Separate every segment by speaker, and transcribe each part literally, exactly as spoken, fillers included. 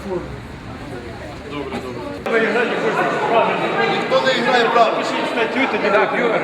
Speaker 1: форму.
Speaker 2: Добре, добре.
Speaker 3: Ніхто не грає правильно.
Speaker 1: Пишіть статтю, тоді
Speaker 2: Так, Юра,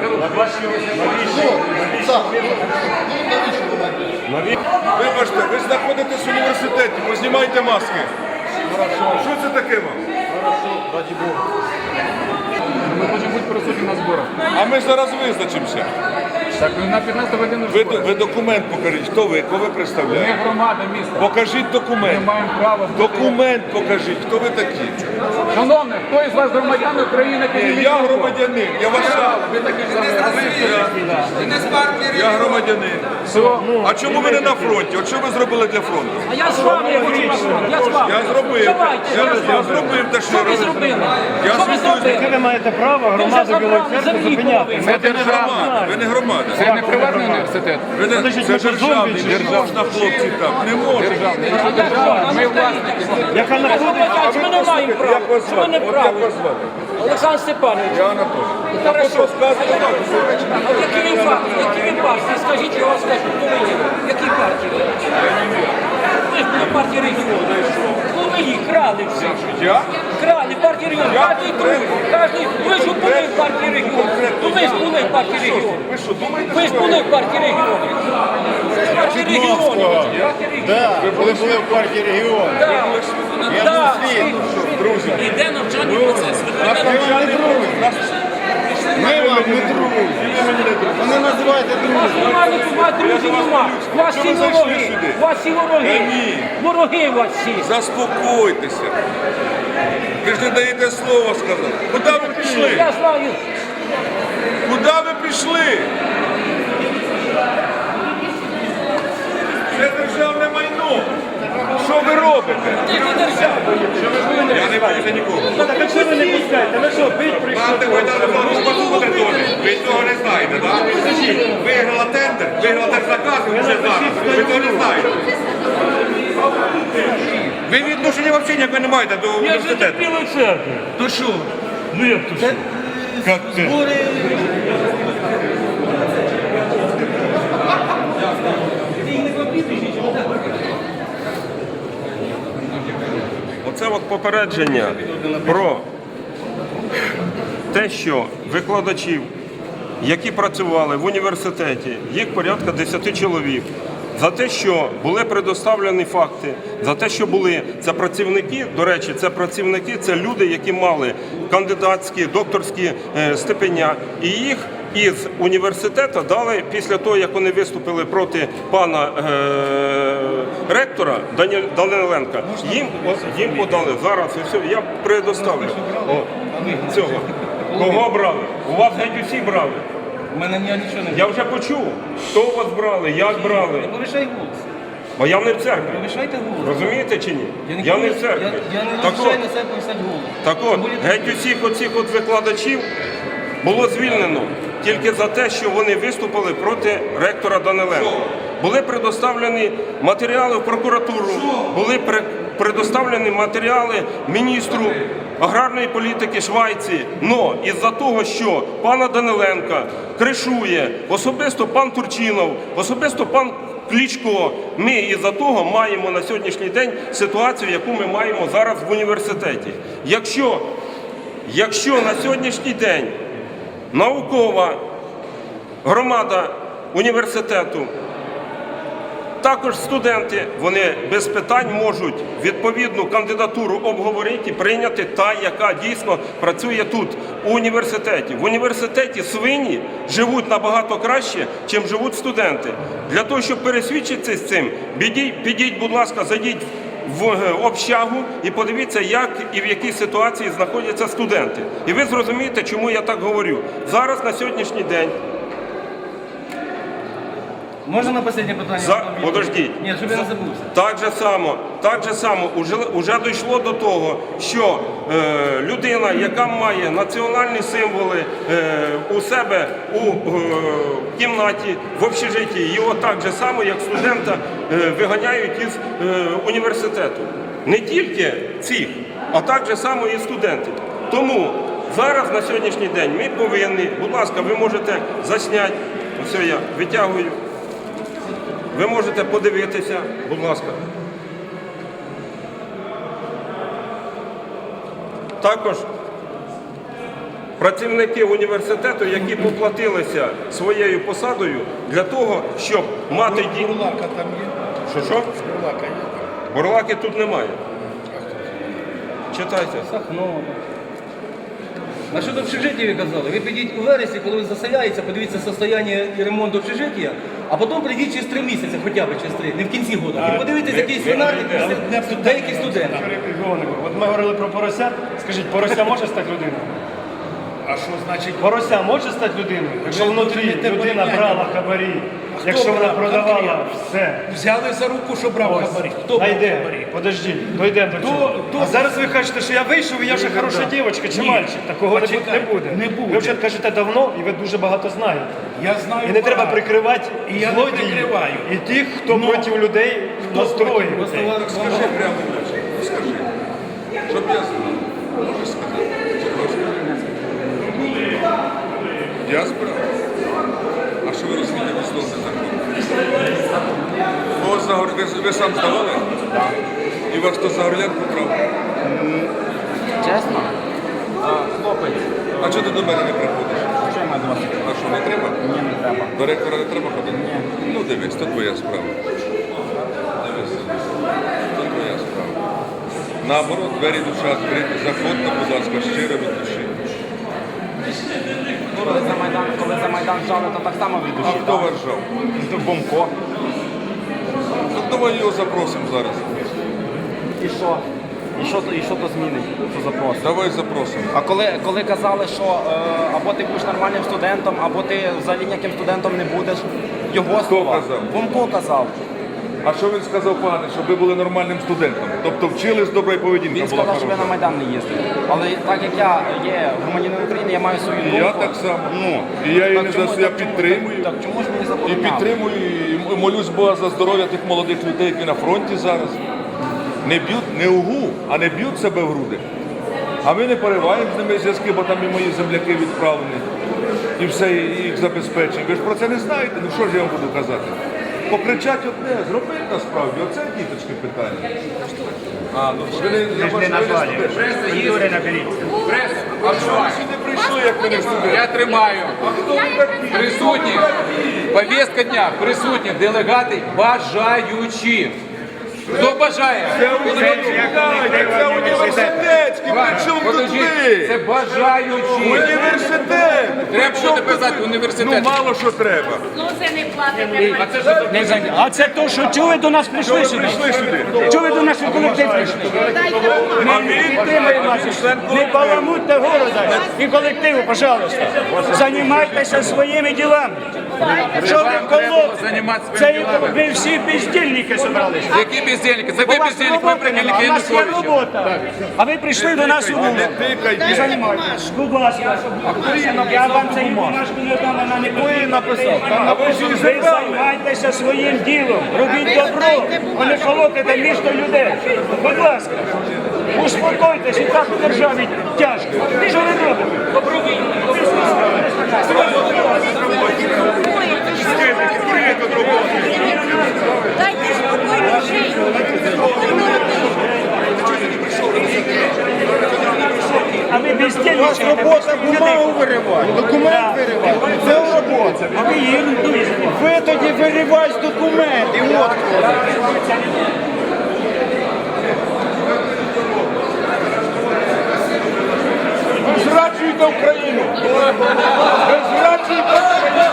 Speaker 3: Вибачте, ви знаходитесь в університеті, познімайте маски. Що це таке вам?
Speaker 1: раді Бога. Ми хочемо бути присутні на зборах.
Speaker 3: А ми зараз визначимося.
Speaker 1: Так, на п'ятнадцяту годину
Speaker 3: Ви,
Speaker 1: збори.
Speaker 3: ви документ покажіть. Хто ви? Кого ви
Speaker 1: Ми
Speaker 3: представляєте?
Speaker 1: громада міста.
Speaker 3: Покажіть
Speaker 1: Ми
Speaker 3: документ.
Speaker 1: маємо право бути...
Speaker 3: Документ покажіть. Хто ви такі?
Speaker 1: Шановний, хто із вас громадян України?
Speaker 3: Ні, я громадянин. Я вважаю.
Speaker 1: Ви такі ж самі.
Speaker 3: Я громадянин.
Speaker 1: Все.
Speaker 3: А чому ви не на фронті? От що ви зробили для фронту?
Speaker 4: А я з вами я хочу на фронт, я з вами.
Speaker 3: Я зробив.
Speaker 4: Давайте,
Speaker 3: Я,
Speaker 4: я з
Speaker 3: я
Speaker 4: вами.
Speaker 3: зробив те, що
Speaker 4: Що ви
Speaker 3: робив.
Speaker 4: зробили?
Speaker 3: Я
Speaker 4: Що ви
Speaker 3: спілкуюся.
Speaker 4: зробили?
Speaker 5: Ви маєте право
Speaker 4: Ви вже
Speaker 5: громаду Білої
Speaker 4: забрали
Speaker 5: Церкви
Speaker 4: землі
Speaker 5: зупиняти.
Speaker 4: половину.
Speaker 3: Ви не громада. Ви не громада.
Speaker 1: Це не приватний університет.
Speaker 3: Ви не,
Speaker 5: Подождіть,
Speaker 3: це
Speaker 5: ви що,
Speaker 3: державний.
Speaker 5: зомбі чи
Speaker 3: Не можна, хлопці, так. Не можна.
Speaker 1: Державний. Це держава. Ми власники.
Speaker 5: Яка
Speaker 4: А
Speaker 5: знаходиться...
Speaker 4: що ми не маємо права?
Speaker 3: Як вас
Speaker 4: Що ми
Speaker 3: звати?
Speaker 4: не
Speaker 3: От як
Speaker 4: право?
Speaker 3: вас звати?
Speaker 4: Олександр Степанович.
Speaker 3: Я Анатолій.
Speaker 4: Хорошо.
Speaker 3: Розказуйте так.
Speaker 4: А в якій ви партії? Які ви партії? Скажіть, я вам скажу, хто ви є? В якій партії? Ви ж були в партії регіону. Ну ви їх крали всі.
Speaker 3: Я?
Speaker 4: Крали партії регіону.
Speaker 3: Я
Speaker 4: Кожний другий. Кожний. Ви ж були в партії регіону. Ну ви ж були в партії регіону.
Speaker 3: Ви що, думаєте,
Speaker 4: Ви ж були в партії регіону. В партії регіону.
Speaker 5: Так, коли були в партії регіону.
Speaker 4: Я так.
Speaker 3: друзі?
Speaker 4: Іде навчальний процес.
Speaker 5: Ми вам не друзі. Ви не називаєте друзі.
Speaker 4: Нормально, у вас друзів нема. У вас всі вороги. У вас всі вороги. Вороги у вас всі.
Speaker 3: Заспокойтеся. Ви ж не даєте слова сказати. Куди ви пішли?
Speaker 4: Я знаю.
Speaker 3: Куди ви пішли? Це державне майно. Що ви робите?
Speaker 4: Ти ж не держава.
Speaker 3: Я не боюся нікого.
Speaker 5: Так а чого ви не пускаєте? Ви що, бить прийшли?
Speaker 3: Мати Майдану буде теж. Ви цього не знаєте, так? Виграла тендер, виграла держзаказ, і вже зараз. Ви цього не знаєте. Ви відношення взагалі ніякого не маєте до університету.
Speaker 2: Білої церкви.
Speaker 3: То що?
Speaker 2: Ну як то що?
Speaker 3: Як це?
Speaker 6: Оце от попередження про те, що викладачів, які працювали в університеті, їх порядка десяти чоловік, за те, що були предоставлені факти, за те, що були, це працівники, до речі, це працівники, це люди, які мали кандидатські, докторські е, степеня, і їх із університету дали, після того, як вони виступили проти пана е, ректора Дані- Даниленка, їм, о, їм подали зараз, і все, я предоставлю О, цього. Кого брали? У вас геть усі брали.
Speaker 7: У мене я нічого не
Speaker 6: Я вже почув, хто у вас брали, як брали.
Speaker 7: повишай голос.
Speaker 6: Бо я не в церкві.
Speaker 7: Повишайте голос.
Speaker 6: Розумієте чи ні?
Speaker 7: Я не,
Speaker 6: Я не в
Speaker 7: повиш-
Speaker 6: церкві.
Speaker 7: Я, я не
Speaker 6: Так
Speaker 7: навчаю
Speaker 6: от,
Speaker 7: на себе повисати голос.
Speaker 6: так от,
Speaker 7: Тим більше-
Speaker 6: геть усіх оцих от викладачів було звільнено тільки за те, що вони виступили проти ректора Даниленка. Були предоставлені матеріали в прокуратуру, були пре- предоставлені матеріали міністру аграрної політики Швайції. Но із-за того, що пана Даниленка кришує особисто пан Турчинов, особисто пан Кличко, ми із-за того маємо на сьогоднішній день ситуацію, яку ми маємо зараз в університеті. Якщо, якщо на сьогоднішній день наукова громада університету, також студенти, вони без питань можуть відповідну кандидатуру обговорити, прийняти та, яка дійсно працює тут, у університеті. В університеті свині живуть набагато краще, чим живуть студенти. Для того, щоб пересвідчитися з цим, підіть, підіть, будь ласка, зайдіть в общагу і подивіться, як і в якій ситуації знаходяться студенти. І ви зрозумієте, чому я так говорю. Зараз, на сьогоднішній день,
Speaker 7: Можна на останнє питання?
Speaker 6: За... Подождіть.
Speaker 7: Ні, щоб я не забувся.
Speaker 6: Так же само, так же само уже, уже дійшло до того, що е, людина, яка має національні символи е, у себе у е, кімнаті, в общежитті, його так же само, як студента, е, виганяють із е, університету. Не тільки цих, а так же само і студентів. Тому зараз, на сьогоднішній день, ми повинні, будь ласка, ви можете засняти, ось я витягую. Ви можете подивитися, будь ласка. також працівники університету, які поплатилися своєю посадою для того, щоб мати ді...
Speaker 5: Бурлака там є?
Speaker 6: Що, що?
Speaker 5: Бурлака є?
Speaker 6: Бурлаки тут немає. Читайте.
Speaker 7: Сахно. На що до общежиття ви казали? Ви підіть у вересні, коли він заселяється, подивіться состояння і ремонт общежиття, а потім прийдіть через три місяці, хоча б через три, не в кінці року. І подивіться, який свинарник деякі студенти.
Speaker 2: От ми говорили про порося. Скажіть, порося може стати людиною?
Speaker 5: А що значить?
Speaker 2: Порося може стати людиною? Якщо внутрі
Speaker 5: не те
Speaker 2: людина
Speaker 5: порівняння.
Speaker 2: брала хабарі,
Speaker 5: Хто
Speaker 2: якщо вона
Speaker 5: брав?
Speaker 2: продавала
Speaker 5: Конкретно.
Speaker 2: все.
Speaker 5: Взяли за руку, що брав хабарі. Хто брав
Speaker 2: Найде,
Speaker 5: хабарі?
Speaker 2: подождіть, дойдемо до цього.
Speaker 5: то-
Speaker 2: А зараз ви кажете, що я вийшов і я вже хороша дівчинка чи мальчик. Такого не буде- не
Speaker 5: Почекайте,
Speaker 2: буде.
Speaker 5: не буде.
Speaker 2: Ви вже кажете давно і ви дуже багато знаєте.
Speaker 5: Я знаю.
Speaker 2: І не треба
Speaker 5: багато.
Speaker 2: прикривати
Speaker 5: І я не
Speaker 2: злодіїв
Speaker 5: прикриваю.
Speaker 2: і тих, хто
Speaker 5: Ну,
Speaker 2: проти людей настроює.
Speaker 3: Скажи прямо, скажи. Щоб я знав. Можеш сказати? Я збирав. А що ви розумієте від слова закон? Ось за гор- ви, ви сам здавали? Так. І вас хто за горлянку брав?
Speaker 8: Чесно? А, хлопець,
Speaker 3: А чого ти до мене не приходиш?
Speaker 8: що я маю до вас?
Speaker 3: А що, не треба?
Speaker 8: Ні, не треба.
Speaker 3: До ректора не треба ходити? Ні. Ну дивись, то твоя справа. Дивись, то твоя справа. Наоборот, двері душа відкриті. Заходьте, будь ласка, щиро від душі.
Speaker 8: Коли за Майдан, коли за Майдан жали, то так само від
Speaker 3: А
Speaker 8: душі.
Speaker 3: хто
Speaker 8: так?
Speaker 3: вас жав?
Speaker 8: Бомко.
Speaker 3: Ну давай його запросимо зараз.
Speaker 8: І що? І що, то- і що то змінить? Що запрос?
Speaker 3: Давай запросимо.
Speaker 8: А коли, коли казали, що е, або ти будеш нормальним студентом, або ти взагалі ніяким студентом не будеш, його слова.
Speaker 3: казав?
Speaker 8: Бомко казав.
Speaker 3: А що він сказав, пане, щоб ви були нормальним студентом? Тобто вчили з доброї поведінки
Speaker 8: Він
Speaker 3: була
Speaker 8: сказав, що я на
Speaker 3: хороша.
Speaker 8: Майдан не їздив. Але так як я є громадянином України, я маю свою
Speaker 3: І
Speaker 8: думку.
Speaker 3: я так само.
Speaker 8: Ну,
Speaker 3: І я її
Speaker 8: так
Speaker 3: не
Speaker 8: чому-
Speaker 3: за я
Speaker 8: так чому-
Speaker 3: підтримую.
Speaker 8: Так чому ж мені
Speaker 3: І
Speaker 8: забороняли?
Speaker 3: підтримую, і молюсь Бога за здоров'я тих молодих людей, які на фронті зараз. Не б'ють, не угу, а не б'ють себе в груди. А ми не пориваємо з ними зв'язки, бо там і мої земляки відправлені. І все, і їх забезпечення. Ви ж про це не знаєте, ну що ж я вам буду казати? Покричать одне, зробити насправді, оце діточки питання. А, ну ви не, я бачу, ви не студенти. А що ви сюди прийшли, як ви не студенти?
Speaker 1: Я тримаю.
Speaker 3: А хто ви такі?
Speaker 1: Присутні. Повістка дня. Присутні делегати бажаючі. Хто бажає?
Speaker 3: Це університетський, при чому тут
Speaker 1: Подождіть, це
Speaker 3: ви?
Speaker 1: бажаючі.
Speaker 3: Університет!
Speaker 1: Треба
Speaker 3: При чому
Speaker 1: буде писати
Speaker 3: тут ви?
Speaker 1: університет.
Speaker 3: Ну мало що треба.
Speaker 9: Ну це не платите.
Speaker 2: А це то, що чого ви до нас прийшли сюди?
Speaker 3: Прийшли сюди.
Speaker 2: Чого ви до нас у колектив прийшли? Ми підтримуємо вас. Не баламутьте города і колективу, пожалуйста. Займайтеся своїми ділами. Що ви колоти?
Speaker 1: Займатися
Speaker 2: Це
Speaker 1: своїми ділами.
Speaker 2: ви всі бездільники зібралися.
Speaker 1: Які бездельники? Це
Speaker 2: У
Speaker 1: ви
Speaker 2: вас
Speaker 1: бездельник, ви
Speaker 2: роботи
Speaker 1: прикільники
Speaker 2: нема, у нас є
Speaker 1: Януковича.
Speaker 2: робота. А ви прийшли до нас у вулицю.
Speaker 3: Не тикайте.
Speaker 2: Займайтесь. Будь ласка. Я вам цю бумажку не дам, вона не потрібна.
Speaker 3: А ви ж її
Speaker 2: Ви
Speaker 3: забрали.
Speaker 2: займайтеся своїм ділом, робіть добро, а не колотите місто людей. Будь ласка, успокойтесь, і так у державі тяжко. Що ви робите?
Speaker 9: Дайте спокійно жити.
Speaker 2: А ви бездільні. У вас робота бумагу виривати, документ виривати. Це робота. А ви єрундою. Ви тоді вириваєте документи. От
Speaker 3: Ви зраджуєте Україну! Ви зраджуєте Україну!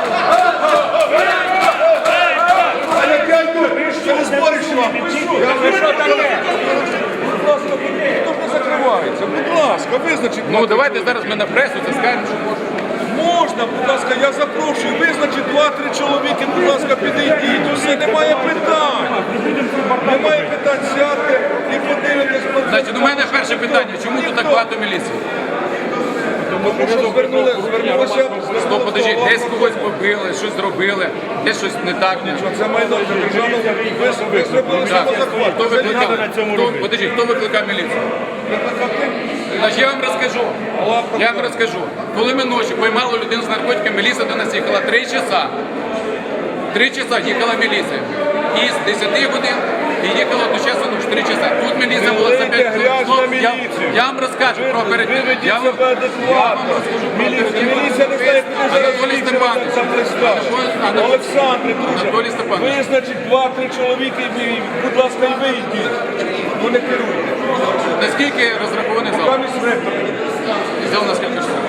Speaker 3: А як я йду, що ви збориш вам? Я вийшов таке! Будь ласка, ніхто ж не закривається. Будь ласка, визначіть.
Speaker 1: Ну давайте зараз ми на пресу це скажемо, що можна.
Speaker 3: Можна, будь ласка, я запрошую, визначіть два-три чоловіки, будь ласка, підійдіть, усе, немає питань. Немає питань, сядьте і подивитесь.
Speaker 1: Значить, у мене перше питання, чому тут так багато міліції?
Speaker 3: Тому що звернули, звернулися.
Speaker 1: Стоп, подожди, десь когось побили, щось зробили, десь щось не так.
Speaker 3: Це майно, це державно. Ви, ви зробили
Speaker 1: Так,
Speaker 3: самозахват.
Speaker 1: хто викликав? Хто, подожди, хто викликав міліцію? Значить, я вам розкажу. Я вам розкажу. Коли ми ночі поймали людину з наркотиками, міліція до нас їхала три часа. Три часа їхала міліція. І з десяти годин і їхала до часу ну, чотири часа. Тут міліція була за п'ять
Speaker 3: грязь на
Speaker 1: хвилин. Я,
Speaker 3: міліцію.
Speaker 1: я вам розкажу про
Speaker 3: Ви
Speaker 1: оперативну.
Speaker 3: ведіть
Speaker 1: Я вам,
Speaker 3: себе
Speaker 1: я вам
Speaker 3: адекватно.
Speaker 1: розкажу про
Speaker 3: Міліція,
Speaker 1: оперативну.
Speaker 3: міліція не знає, куди зараз
Speaker 1: Анатолій
Speaker 3: міліція
Speaker 1: Степанович.
Speaker 3: там пристав.
Speaker 1: Анатолій-
Speaker 3: Олександре, друже,
Speaker 1: Анатолій Степанович.
Speaker 3: ви, значить, два-три чоловіки, і, будь ласка, і ви йдіть. Ну не керуйте.
Speaker 1: Наскільки розрахований зал?
Speaker 3: Там із ректором.
Speaker 1: Зал наскільки що?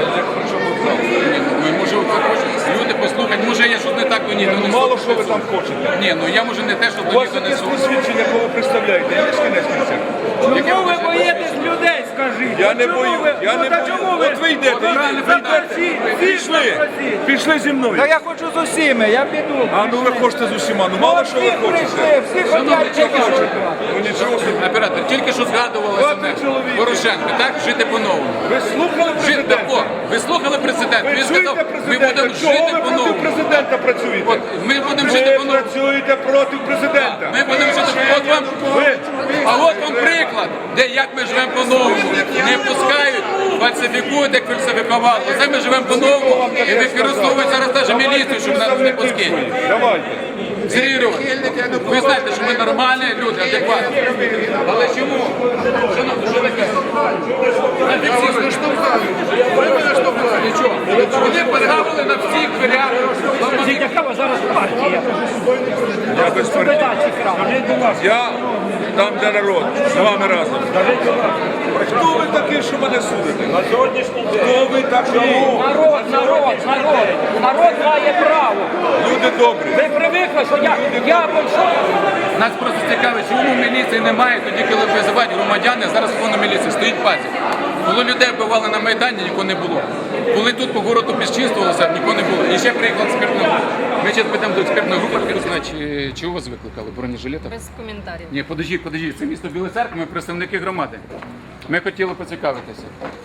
Speaker 1: Ні, ну, може, ви хочете. Люди послухають, може я щось не так до ні.
Speaker 3: Ну, мало що ви там хочете.
Speaker 1: Ні, ну я може не те, що
Speaker 3: У
Speaker 1: до
Speaker 3: вас
Speaker 1: них
Speaker 3: якесь
Speaker 1: донесу.
Speaker 3: посвідчення, кого ви представляєте, є кінець кінця?
Speaker 1: Яке
Speaker 2: Чому ви
Speaker 1: ви
Speaker 2: боїтесь людей, скажіть?
Speaker 3: Я
Speaker 2: От
Speaker 3: не
Speaker 2: чому
Speaker 3: бою,
Speaker 2: ви-
Speaker 3: я
Speaker 2: ну,
Speaker 3: не
Speaker 2: та
Speaker 3: бою.
Speaker 2: чому ви?
Speaker 3: От ви йдете,
Speaker 2: От
Speaker 3: йдете,
Speaker 2: ви
Speaker 3: йдете.
Speaker 2: запросіть, всіх
Speaker 3: Пішли,
Speaker 2: запросіть.
Speaker 3: пішли зі мною.
Speaker 2: Та я хочу з усіми, я піду.
Speaker 3: А ну ви хочете з усіма, ну мало що ви
Speaker 2: Всі прийшли,
Speaker 3: хочете.
Speaker 2: всі
Speaker 1: Шановні,
Speaker 2: хочуть
Speaker 1: тільки що,
Speaker 3: Ну нічого собі.
Speaker 1: оператор, тільки що згадувалося
Speaker 3: Двадцять
Speaker 1: мене
Speaker 3: чоловік.
Speaker 1: Порошенко, так? Жити по-новому.
Speaker 3: Ви слухали
Speaker 1: Жити,
Speaker 3: президента?
Speaker 1: о, ви слухали президента?
Speaker 3: Ви
Speaker 1: Він сказав,
Speaker 3: чуєте
Speaker 1: ми
Speaker 3: президента?
Speaker 1: будемо
Speaker 3: Чого
Speaker 1: жити
Speaker 3: ви проти
Speaker 1: по-новому.
Speaker 3: президента працюєте?
Speaker 1: От, ми будемо
Speaker 3: Ви
Speaker 1: жити по-новому.
Speaker 3: працюєте проти президента.
Speaker 1: Ми будемо жити, от вам,
Speaker 3: Ви
Speaker 1: а от вам приклад, де як ми живемо по-новому. Не пускають, фальсифікують, як фальсифікували. Це ми живемо по-новому і використовують зараз навіть міліцію, щоб нас не пускати.
Speaker 3: Давайте.
Speaker 1: Сергій Григорович, ви знаєте, що ми нормальні люди, адекватні. Але чому? Шановні, що таке? Фіксійно штовхали. Ви мене штовхали. Нічого. Вони позгавили на всіх дверях.
Speaker 2: Яка у вас зараз партія?
Speaker 3: Я без партії. Я там, де народ, з вами разом. Хто ви такий, що мене судите? На сьогоднішній день. Хто ви такий?
Speaker 4: Народ, народ, народ, народ має право.
Speaker 3: Люди добрі.
Speaker 4: Ви привикли, що я, я прийшов.
Speaker 1: Нас просто цікавить, чому міліції немає, тоді, коли визивають громадяни, зараз повно міліції, стоїть пазі. Коли людей вбивали на Майдані, нікого не було. Коли тут по городу безчинствувалося, нікого не було. І ще приїхала експертна група. Ми зараз підемо до експертної групи, я знаю, чи, чи у вас викликали бронежилетів?
Speaker 9: Без коментарів.
Speaker 1: Ні, подождіть, подождіть, це місто Білий Церква, ми представники громади. Ми хотіли поцікавитися.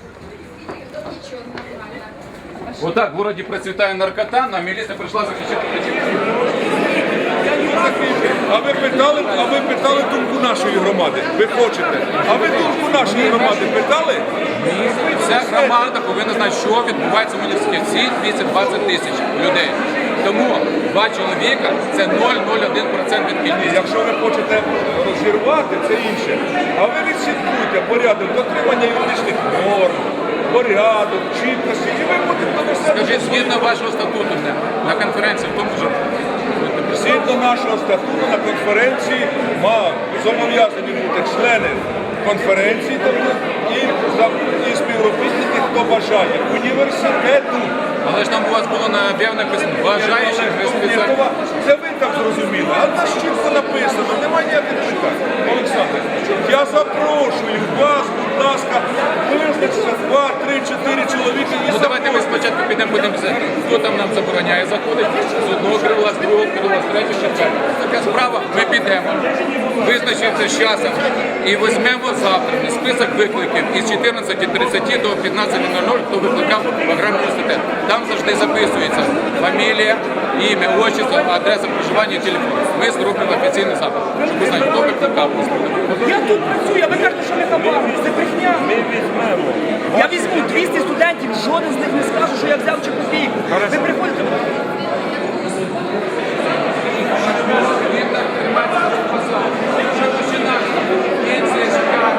Speaker 1: Отак в городі процвітає наркота, а міліція прийшла захищати працівників.
Speaker 3: А ви питали, а ви питали думку нашої громади? Ви хочете? А ви думку нашої громади питали?
Speaker 1: Вся громада повинна знати, що відбувається в університеті. Всі двісті двадцять тисяч людей. Тому два чоловіка – це нуль цілих нуль один відсоток від
Speaker 3: І
Speaker 1: кількості.
Speaker 3: якщо ви хочете розірвати, це інше. А ви відслідкуйте порядок дотримання юридичних норм, порядок, чіткості, і ви будете до себе.
Speaker 1: Скажіть, згідно вашого статуту на, на конференції, в тому що
Speaker 3: Згідно нашого статуту на конференції ма- зобов'язані бути члени конференції, тобто і, за- і співробітники, хто бажає, університету.
Speaker 1: але ж там у вас було на об'яв написано бажаючих без спеціальних.
Speaker 3: Це ви так зрозуміли, а нас чітко написано, немає ніяких питань. Олександр, я запрошую вас, будь ласка, визначиться два, три, чотири чоловіки і
Speaker 1: Ну давайте ми спочатку підемо, будемо все, хто там нам забороняє заходити, з одного крила, з другого крила, з третього, з четвертого. Така справа, ми підемо, визначимося з часом і візьмемо завтра список викликів із чотирнадцяти тридцять до п'ятнадцяти нуль нуль, хто викликав програму університет. Там завжди записується фамілія, ім'я, отчество, адреса проживання і телефон. Ми зробимо офіційний запит, щоб ви знали, хто викликав.
Speaker 2: Я тут працюю, а ви кажете, що ми хабаримо. Це брехня. Ми візьмемо. Я візьму двісті студентів, жоден з них не скаже, що я взяв чи копійку. Ви приходите.
Speaker 1: Він так тримається за посаду. Що починає? Пенсія чекає.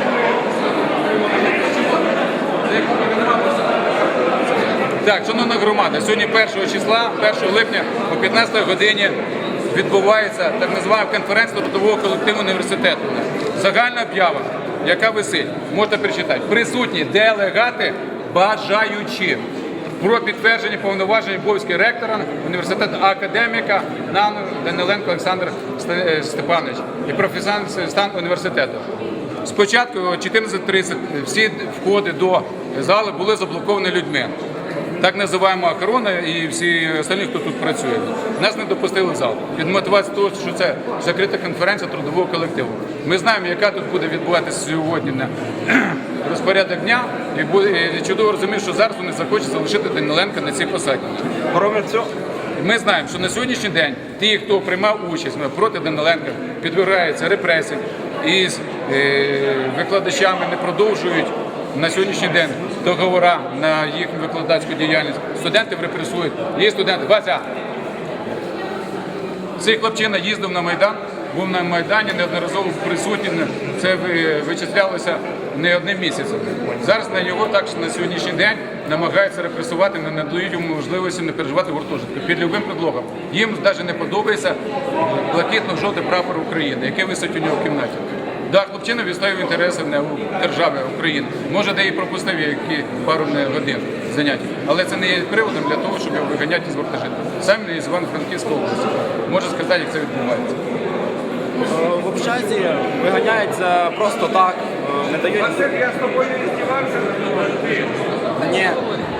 Speaker 1: Так, шановна громада, сьогодні першого числа, першого липня о п'ятнадцятій годині відбувається так називаємо конференція трудового колективу університету. Загальна об'ява, яка висить, можете перечитати. Присутні делегати бажаючі про підтвердження повноважень обов'язків ректора університету академіка Нану Даниленко Олександр Сте- Степанович і професійний стан університету. Спочатку о чотирнадцять тридцять всі входи до зали були заблоковані людьми. Так називаємо охорона і всі остальні, хто тут працює. Нас не допустили в зал. Від мотивації того, що це закрита конференція трудового колективу. Ми знаємо, яка тут буде відбуватися сьогодні на розпорядок дня, і буде- і чудово розуміємо, що зараз вони захочуть залишити Даниленка на цій посаді.
Speaker 6: Кроме цього,
Speaker 1: Ми знаємо, що на сьогоднішній день ті, хто приймав участь проти Даниленка, підвергаються репресіям і з е, викладачами не продовжують на сьогоднішній день договори на їхню викладацьку діяльність. Студентів репресують. Є студенти. Вася, цей хлопчина їздив на Майдан, був на Майдані, неодноразово присутній, це ви- вичислялося не одним місяцем. Зараз на його також на сьогоднішній день намагаються репресувати, не надають йому можливості не переживати в гуртожитку під любим предлогом. Їм навіть не подобається блакитно-жовтий прапор України, який висить у нього в кімнаті. Да, хлопчина відстоює інтереси не у держави України. Може, де і пропустив які пару не годин занять. Але це не є приводом для того, щоб його виганяти із гуртожитку. Сам не із Івано-Франківської області. Можу сказати, як це відбувається.
Speaker 8: Е, В общазі виганяються просто так, е, не дають...
Speaker 6: Я з тобою не здівався.
Speaker 8: Ні. Е,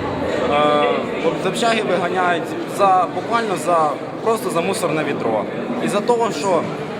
Speaker 8: В общаги виганяють за, буквально за, просто за мусорне відро. І за того, що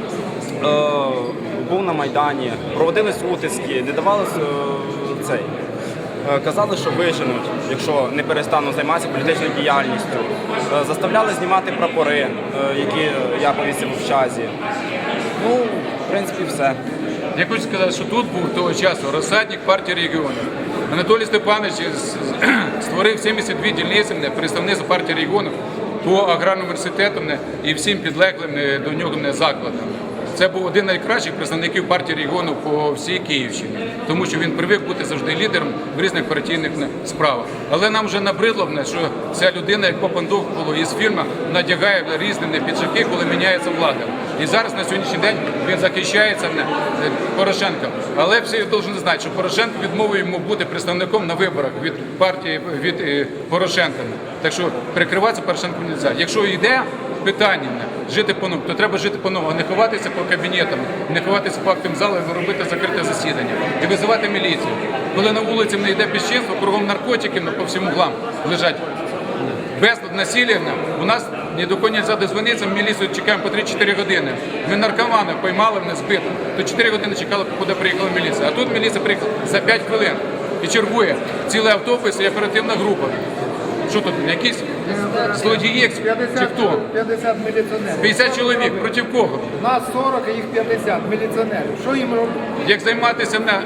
Speaker 8: е, був на Майдані, проводились утиски, не давали е, цей. Е, Казали, що виженуть, якщо не перестануть займатися політичною діяльністю. Е, Заставляли знімати прапори, е, які я повісив в общазі. Ну, в принципі, все.
Speaker 1: Я хочу сказати, що тут був того часу розсадник партії регіонів. Анатолій Степанович з- створив сімдесят дві дільниці не, представництва партії регіонів по аграрному університету не, і всім підлеглим не, до нього не, закладам. Це був один з найкращих представників партії регіонів по всій Київщині, тому що він привик бути завжди лідером в різних партійних не, справах. Але нам вже набридло, не, що ця людина, як Попандух було із фільму, надягає різні не, піджаки, коли міняється влада. І зараз на сьогоднішній день він захищається не, не, Порошенком. Але всі повинні знати, що Порошенко відмовив йому бути представником на виборах від партії від е, Порошенка. Так що прикриватися Порошенком не можна. Якщо йде питання не, жити по-новому, то треба жити по-новому, а не ховатися по кабінетам, не ховатися по актам залу і робити закрите засідання. І визивати міліцію. Коли на вулиці не йде безчинство, кругом наркотики ну, по всім углам лежать. Безлад насилля, у нас ні до кого не можна дозвонитися, в міліцію чекаємо по три-чотири години. Ми наркомани поймали, мене збито, то чотири години чекали, куди приїхала міліція. А тут міліція приїхала за п'ять хвилин і чергує цілий автобус і оперативна група. Що тут, якісь злодії чи хто?
Speaker 5: п'ятдесят міліціонерів.
Speaker 1: п'ятдесят чоловік, проти кого?
Speaker 5: Нас сорок, а їх п'ятдесят міліціонерів. Що їм робити?
Speaker 1: Як займатися на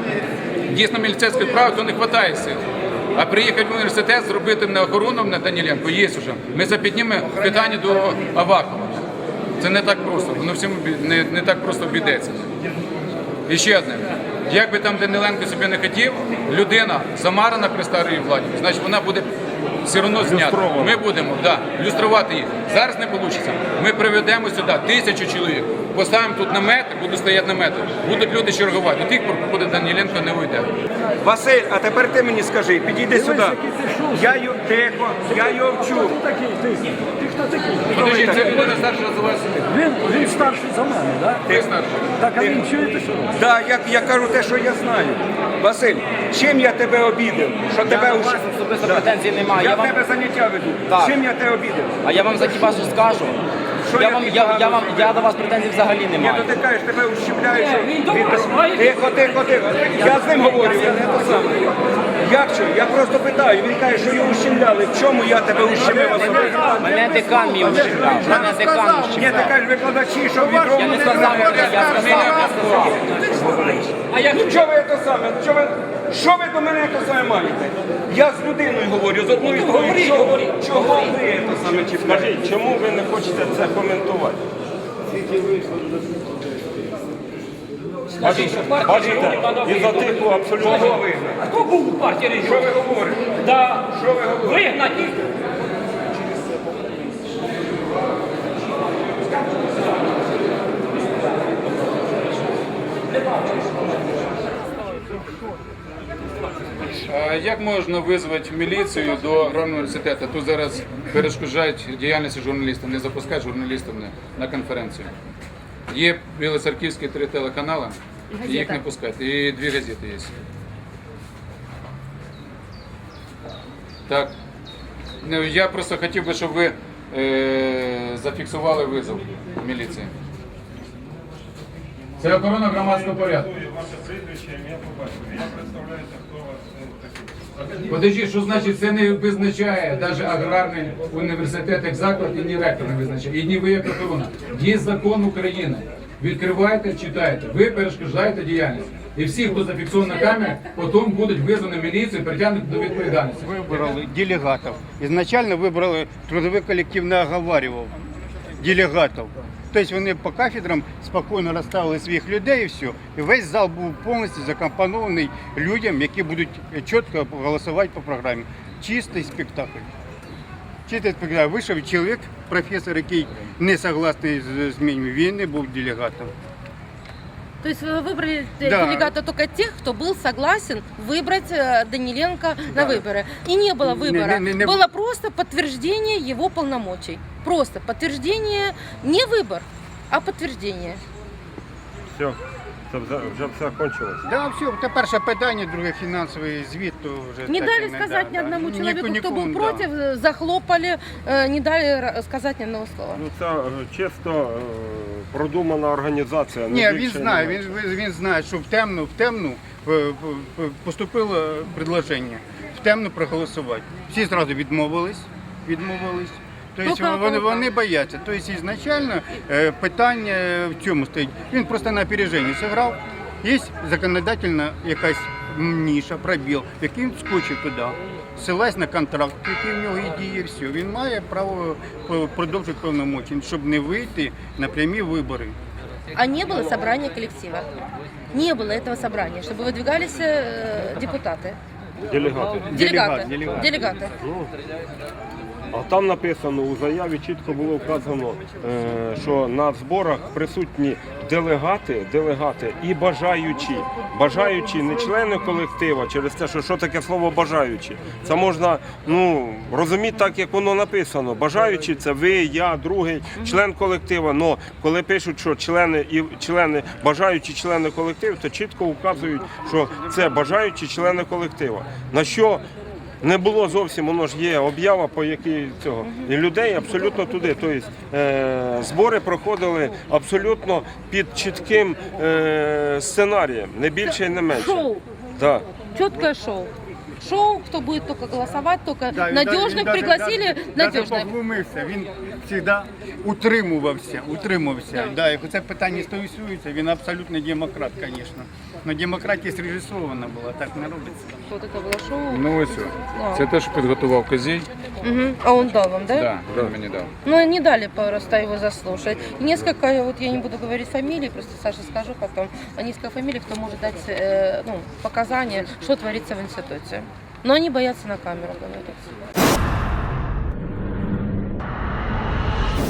Speaker 1: дійсно міліцейською справою, то не вистачає сил. А приїхати в університет, зробити на охорону на Даніленко, є вже. Ми запіднімо питання до Авакова. Це не так просто, воно всім не, не так просто обійдеться. І ще одне. Як би там Даниленко собі не хотів, людина замарана при старій владі, значить вона буде все одно знята. Ми будемо да, люструвати їх. Зараз не вийде. Ми приведемо сюди тисячу чоловік, поставимо тут намети, будуть стояти намети, будуть люди чергувати. До тих пор, поки Даніленко не уйде.
Speaker 10: Василь, а тепер ти мені скажи, підійди сюди. Я його тихо, я його вчу.
Speaker 1: Подожди, це людина старша за вас.
Speaker 2: Він, він старший за мене, так?
Speaker 1: Ти старший.
Speaker 2: Так, а він чуєте, що робить?
Speaker 10: Да, я, я кажу те, що я знаю. Василь, чим я тебе обідав? Що тебе
Speaker 8: до
Speaker 10: уж-
Speaker 8: вас особисто претензій немає.
Speaker 10: Я
Speaker 8: Я
Speaker 10: в
Speaker 8: вам-
Speaker 10: тебе заняття веду.
Speaker 8: Так.
Speaker 10: Чим я тебе обідав?
Speaker 8: А я вам за хіба що скажу.
Speaker 10: Що
Speaker 8: Я
Speaker 10: я
Speaker 8: вам,
Speaker 10: тобі
Speaker 8: я,
Speaker 10: погано
Speaker 8: я, вам,
Speaker 10: зробив?
Speaker 8: я до вас претензій взагалі не
Speaker 10: Ні,
Speaker 8: маю.
Speaker 10: то ти кажеш, тебе ущемляють. що-
Speaker 4: Він до вас має-
Speaker 10: Тихо, тихо, тихо. Я з ним говорю, я не то саме. Як що? Я просто питаю, він каже, що його ущемляли. В чому я тебе ущемив особисто?
Speaker 8: Мене декан мій ущемляв. Мене декан
Speaker 10: Ні, ти
Speaker 8: ущемляв.
Speaker 10: кажеш, викладачі, що відро.
Speaker 8: Я не сказав, я сказав, я сказав.
Speaker 4: А як
Speaker 10: Ну чого ви те саме? Що ви, що ви до мене те саме маєте? Я з людиною говорю, з одною
Speaker 4: говори,
Speaker 10: сторони. Чого,
Speaker 4: говори,
Speaker 10: чого ви те саме чіпляєте?
Speaker 6: Скажіть, чому ви не хочете це коментувати?
Speaker 4: скажіть, що партія
Speaker 6: Бачите,
Speaker 4: регіонів треба
Speaker 6: і за
Speaker 4: вигнати.
Speaker 6: тиху абсолютно.
Speaker 10: Кого вигнати?
Speaker 4: А хто був у партії
Speaker 10: Що ви
Speaker 4: регіонів?
Speaker 10: говорите?
Speaker 4: Да.
Speaker 10: Що ви говорите?
Speaker 4: Вигнати.
Speaker 1: А як можна визвати міліцію до аграрного університету? Тут зараз перешкоджають діяльності журналістів, не запускають журналістів на, на конференцію. Є білоцерківські три телеканали, їх не пускають. І дві газети є. Так. Ну, я просто хотів би, щоб ви е, зафіксували визов міліції. Це охорона громадського порядку. Подожди, що значить це не визначає навіть аграрний університет як заклад і ні ректор не визначає, і ні ви як охорона. Є закон України. Відкриваєте, читаєте, ви перешкоджаєте діяльність. І всі, хто зафіксований на камері, потім будуть визвані міліцією, притягнуті до відповідальності.
Speaker 5: Вибрали делегатів. Ізначально вибрали трудовий колектив, не оговарював делегатів. Тобто вони по кафедрам спокійно розставили своїх людей і все. І весь зал був повністю закомпонований людям, які будуть чітко голосувати по програмі. Чистий спектакль. Чистий спектакль. Вийшов чоловік, професор, який не согласний з змінами, він не був делегатом.
Speaker 9: То есть вы выбрали э,
Speaker 5: Да.
Speaker 9: делегата только тех, кто был согласен выбрать э, Даниленко на выборы. И не было выбора.
Speaker 5: Не- не- не-
Speaker 9: Было просто подтверждение его полномочий. Просто подтверждение, не выбор, а подтверждение.
Speaker 6: Все, це вже, вже все кончилось.
Speaker 5: Да, все, це перше питання, друге фінансовий звіт, то вже
Speaker 9: Не
Speaker 5: так
Speaker 9: дали
Speaker 5: і не
Speaker 9: сказать
Speaker 5: да,
Speaker 9: ни
Speaker 5: да.
Speaker 9: одному
Speaker 5: Ні-
Speaker 9: человеку, кто
Speaker 5: нікому,
Speaker 9: был
Speaker 5: да.
Speaker 9: против, э, захлопали, э, не дали ра- сказать ни одного слова.
Speaker 6: Ну це е, чисто е, продумана організація. не
Speaker 5: Ні, він
Speaker 6: більше,
Speaker 5: знає,
Speaker 6: не
Speaker 5: він,
Speaker 6: менше.
Speaker 5: він, він знає, що в темну, в темну е, е, поступило предложення, в темну проголосувати. Всі одразу відмовились, відмовились. Тобто
Speaker 9: Ну, як
Speaker 5: вони,
Speaker 9: воно
Speaker 5: вони бояться. Тобто ізначально е, питання в цьому стоїть. Він просто на опереженні зіграв. Є законодательна якась ніша, пробіл, який він скочив туди. Ссилась на контракт, який в нього і діє, все. Він має право е, продовжити повномочі, щоб не вийти на прямі вибори.
Speaker 9: А не было собрания коллектива. Не было этого собрания, чтобы выдвигались э, депутаты.
Speaker 6: Делегати.
Speaker 9: Делегаты.
Speaker 5: делегат.
Speaker 9: Делегаты.
Speaker 6: А там написано, у заяві чітко було вказано, е, що на зборах присутні делегати, делегати і бажаючі. Бажаючі не члени колектива, через те, що що таке слово бажаючі. Це можна ну, розуміти так, як воно написано. Бажаючі це ви, я, другий член колектива. Но коли пишуть, що члени і члени, бажаючі члени колективу, то чітко вказують, що це бажаючі члени колектива. На що не було зовсім, воно ж є об'ява, по якій цього. І людей абсолютно туди. Тобто е, збори проходили абсолютно під чітким е, сценарієм, не більше і не менше.
Speaker 9: Шоу.
Speaker 6: Да.
Speaker 9: Четкое шоу. Шоу, кто будет только голосовать, только
Speaker 5: Да, він
Speaker 9: надежных
Speaker 5: даже-
Speaker 9: пригласили,
Speaker 5: даже- даже
Speaker 9: надежных.
Speaker 5: поглумився, він завжди утримувався, утримувався. Да, як це питання стосується, він абсолютно демократ, звісно. Но демократія зрежисована була, так не робиться.
Speaker 9: Вот это было шоу.
Speaker 1: Ну ось.
Speaker 9: Да.
Speaker 1: Це те, що підготував Козій.
Speaker 9: Мгм. А он дал вам, да?
Speaker 1: Да, він мені дав.
Speaker 9: Но не дали просто его заслушать. Несколько, вот я не буду говорить фамилий, просто Саша скажу потом, а несколько фамилий, кто может дать э, ну, показания, что творится в институте. Но они боятся на камеру говорить.